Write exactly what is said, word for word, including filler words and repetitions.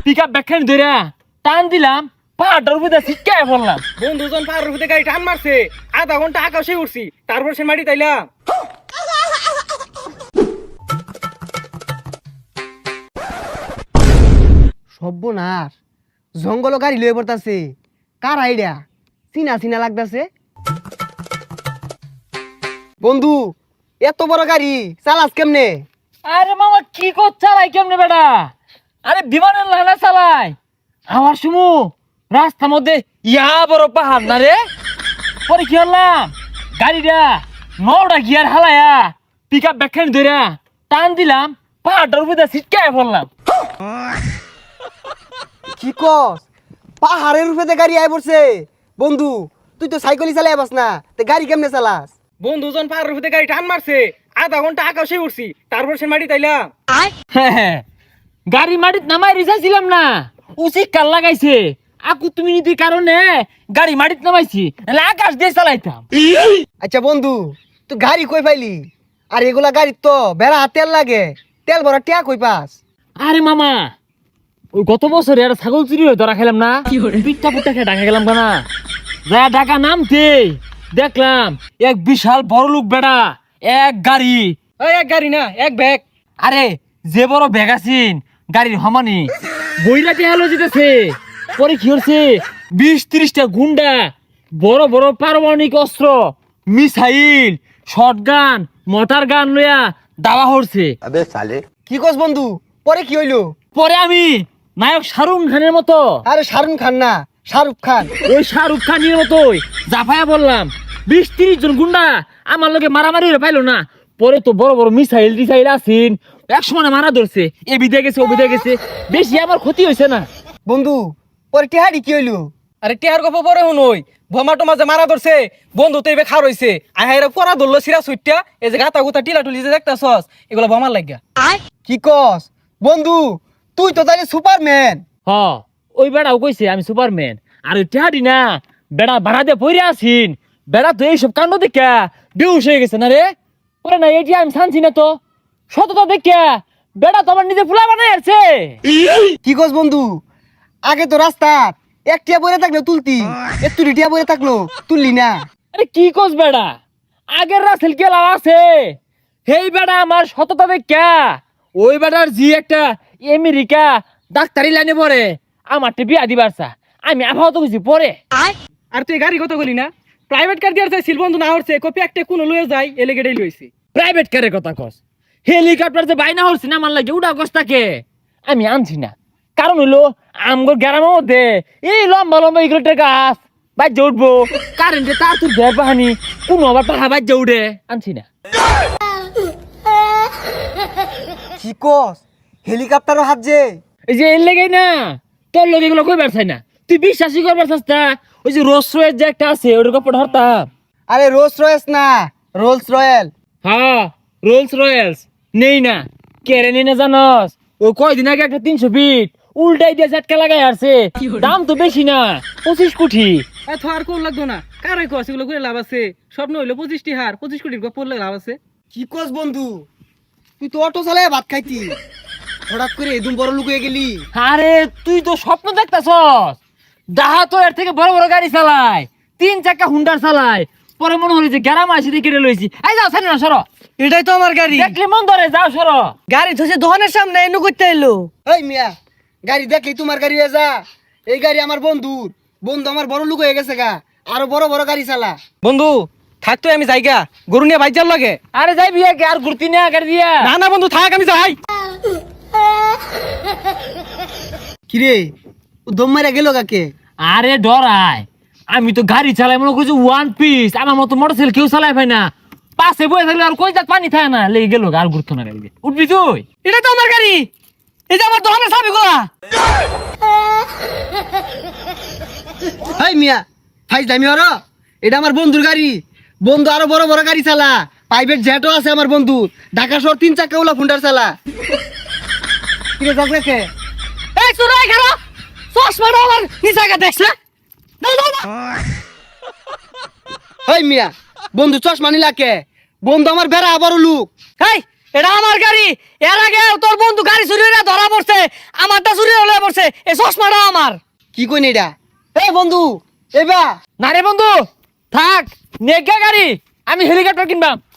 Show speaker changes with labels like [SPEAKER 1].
[SPEAKER 1] Pickup ব্যাখ্যান ধরে টান দিলাম, পাহাড়টার উপরে ছিটকায় পড়লাম।
[SPEAKER 2] বন্ধুজন পাহাড়ের উপরে গাড়ি টান মারছে, আধা ঘন্টা আকাশে উঠছি, তারপর সে মাটি তাইলাম।
[SPEAKER 3] সর্বনাশ, জঙ্গল গাড়ি লয়ে পড়তাছে। কার আইডিয়া? চিনা চিনা লাগতাছে। বন্ধু, এত বড় গাড়ি চালাস কেমনে?
[SPEAKER 1] আরে মামা কি কর চালাই কেমনে বেটা? আরে বিমানের লানা চালাই। আমার সুমু রাস্তার মধ্যে ইয়া বড় পাহাড় না রে। পরে কি হলাম, গাড়িটা নটা গিয়ার হালায়া পিকআপ ব্যাখ্যান ধরে টান দিলাম, পাহাড়টার উপরে ছিটকায় পড়লাম।
[SPEAKER 3] কি কস? পাহাড়ের উপরে গাড়ি আই পড়ছে। বন্ধু, তুই তো সাইকেলই চালাই পাস না, তে গাড়ি কেমনে চালাস?
[SPEAKER 2] বন্ধুজন পাহাড়ের উপরে গাড়ি টান মারছে, আধা ঘন্টা আকাশে উঠছি, তারপর সে মাটি তাইলাম।
[SPEAKER 1] গাড়ি মাটিত নামাই রিসাইছিলাম না, উচিত কাল লাগাইছে। আকু তুমি নীতির কারণে গাড়ি মাটিত নামাইছি, নাহলে আকাশ দিয়ে চালাইতাম।
[SPEAKER 3] আচ্ছা বন্ধু, তুই গাড়ি কই পাইলি? আর এগুলা গাড়ি তো বেড়া তেল লাগে, তেল ভরা টিয়া কই পাস?
[SPEAKER 1] আরে মামা, ওই গত বছরে একটা ছাগল চুরি হয়ে ধরা খেলাম না, পিঠটা পুটটা খেয়ে ঢাকা গেলাম না, যা ঢাকা নামতে দেখলাম এক বিশাল বড় লোক বেড়া এক গাড়ি।
[SPEAKER 2] ওই এক গাড়ি না, এক ব্যাগ।
[SPEAKER 1] আরে যে বড় ব্যাগ আছিন গাড়ির হমানি বইরাতে হেলো যেতেছে। পরে কি হচ্ছে, বিশ ত্রিশটা গুন্ডা বড় বড় পারমাণবিক অস্ত্র, মিসাইল, শটগান, মোটর গান লইয়া দাওয়া হচ্ছে।
[SPEAKER 3] কি কস বন্ধু? পরে কি হইলো?
[SPEAKER 1] পরে আমি নায়ক শাহরুখ খানের মতো,
[SPEAKER 3] আরে শাহরুখ খান না, শাহরুখ খান।
[SPEAKER 1] ওই শাহরুখ খানের মতোই জাফায়া বললাম। বিশ তিরিশ জন গুন্ডা আমার লোকে মারামারি হয়ে পাইলো না। পরে তো বড় বড় মিসাইল টিসাইল আসিন, এক সময় মারা ধরছে, এ বিদে গেছে ও বিদে গেছে, বেশি আমার ক্ষতি হয়েছে না।
[SPEAKER 3] বন্ধু, পরে টিহাড়ি কি হইলো?
[SPEAKER 2] আরে টিহার গপ পরে শুনই, ভমা টমা যে মারা ধরছে, বন্ধু তো এবার খার হইছে, আহাইরা পরা ধরলো সিরা সুইটা, এই যে গাতা গুতা টিলা টুলি যে দেখতাছস, এগুলো ভমার লাগিয়া।
[SPEAKER 3] কি কস বন্ধু? তুই তো তাহলে সুপারম্যান।
[SPEAKER 1] হ, ওই বেড়াও কইছে আমি সুপারম্যান। আর ওই টেহাডি না বেড়া ভাড়া দিয়ে পইরে আসিন, বেড়া তো এইসব কাণ্ড দেখা বেউস হয়ে গেছে না রে। ওরে না এটি আমি শানছি না তো, সততা দেখা বেড়া তো আমার নিজে ফুলা বানাই আছে।
[SPEAKER 3] কি কস বন্ধু? আগে তো রাস্তা এক টিয়া বইরে থাকলো তুলতি, একটু টিয়া বইরে থাকলো তুললি না।
[SPEAKER 1] আরে কি কস বেড়া, আগের রাসেল কেলা আছে, হেই বেড়া আমার সততা দেখা ওই বেড়ার জি একটা আমেরিকা ডাক্তারি লাইনে পড়ে আমার বিয়া দিবার চা, আমি আবহাওয়া তো কিছু পরে।
[SPEAKER 2] আর তুই গাড়ি কত গলি না, প্রাইভেট কার দিয়ে চাইছিল, বন্ধু না হচ্ছে কপি একটা কোন লয়ে যায়, এলে গেড়েই লইছি।
[SPEAKER 1] প্রাইভেট কারের কথা কস, হেলিকপ্টার যে বাইনা হচ্ছে না আমার লাগে উড়া কস্তাকে আমি আনছি না। কারণ হইলো আমগর গ্রামের মধ্যে এই লম্বা লম্বা ইগলেটের গাছ বাজ্যে উঠবো, কারেন্টে তার তুর ঘের বাহানি কোনো আবার পাহা বাজ্যে উঠে, আনছি না।
[SPEAKER 3] কি কস? হেলিকপ্টারও হাত যে?
[SPEAKER 1] এই যে এর লেগেই না তোর লোক এগুলো কইবার চাই না, তুই বিশ্বাসই করবার চাস না। ওই যে রোলস রয়েস যে একটা আছে ওটার কাপড় হরতাম।
[SPEAKER 3] আরে রোলস রয়েস না, রোলস রয়েল।
[SPEAKER 1] হ্যাঁ রোলস রয়েলস নেই না, কেড়ে নেই না জানস? ও কয়দিন আগে একটা তিনশো ফিট উল্টাই দিয়ে ঝাটকা লাগাই আসছে, দাম তো বেশি না, পঁচিশ কোটি।
[SPEAKER 2] এত আর কোন লাগতো না, কারাই কস এগুলো করে লাভ আছে, স্বপ্ন হইলো পঁচিশটি হার, পঁচিশ কোটির গপ পড়লে লাভ আছে।
[SPEAKER 3] কি কস বন্ধু? তুই তো অটো চালায় ভাত খাইতি, হঠাৎ করে এদম বড় লুক হয়ে গেলি।
[SPEAKER 1] আরে তুই তো স্বপ্ন দেখতাছস, ডাহা তো এর থেকে বড় বড় গাড়ি চালায়, তিন চাকা হুন্ডার চালায়। পরে মনে হলো যে গ্যারাম আসি দিয়ে কেটে লইছি, এই যাও ছাড়ি না সরো,
[SPEAKER 2] এটাই তো আমার গাড়ি।
[SPEAKER 1] দেখলে মন ধরে যাও সরো।
[SPEAKER 2] গাড়ি ধসে দোকানের সামনে এনু করতে এলো।
[SPEAKER 3] এই মিয়া, গাড়ি দেখলি তোমার গাড়ি হয়ে যা। এই গাড়ি আমার বন্ধুর, বন্ধু আমার বড় লুক হয়ে গেছে গা, আরো বড় বড় গাড়ি চালা।
[SPEAKER 2] বন্ধু থাকতো আমি যাইগা, গরু নিয়ে বাইজার লাগে।
[SPEAKER 1] আরে যাই বিয়া কে আর ঘুরতি না গাড়ি দিয়া।
[SPEAKER 2] না না বন্ধু থাক, আমি যাই।
[SPEAKER 3] কিরে, ও দম মারা গেল কাকে?
[SPEAKER 1] আরে ডরাই, আমি তো গাড়ি চালাই মনে করছি ওয়ান পিস, আমার মতো মোটরসাইকেল কেউ চালাই পাই না, পাশে বয়ে থাকলে আর কই যাক পানি থাকে না, লেগে গেল আর ঘুরতো না গাড়ি। উঠবি তুই?
[SPEAKER 2] এটা তো আমার গাড়ি, এই যে আমার দোকানের চাবি গুলা।
[SPEAKER 3] হাই মিয়া, ফাইজ দামি হর, এটা আমার বন্ধুর গাড়ি। বন্ধু আরো বড় বড় গাড়ি চালা, প্রাইভেট জেটও আছে আমার বন্ধু, ঢাকা শহর তিন চাকা ওলা ফুন্ডার চালা। কিরে যাক রেখে?
[SPEAKER 2] এই সুরাই খারা চশমাটা আমার নিচাকে দেখছে।
[SPEAKER 3] হাই মিয়া, বন্ধু চশমা নিলা কে? বন্ধু আমার বেড়া বড় লুক।
[SPEAKER 2] এই
[SPEAKER 4] এটা আমার গাড়ি। এর আগে তোর বন্ধু গাড়ি চুরি হয়ে ধরা পড়ছে, আমারটা চুরি হলে পড়ছে। এই চশমাটা আমার।
[SPEAKER 3] কি কইন এটা? এই বন্ধু এবা
[SPEAKER 1] না রে বন্ধু, থাক নেগা গাড়ি, আমি হেলিকপ্টার কিনবাম।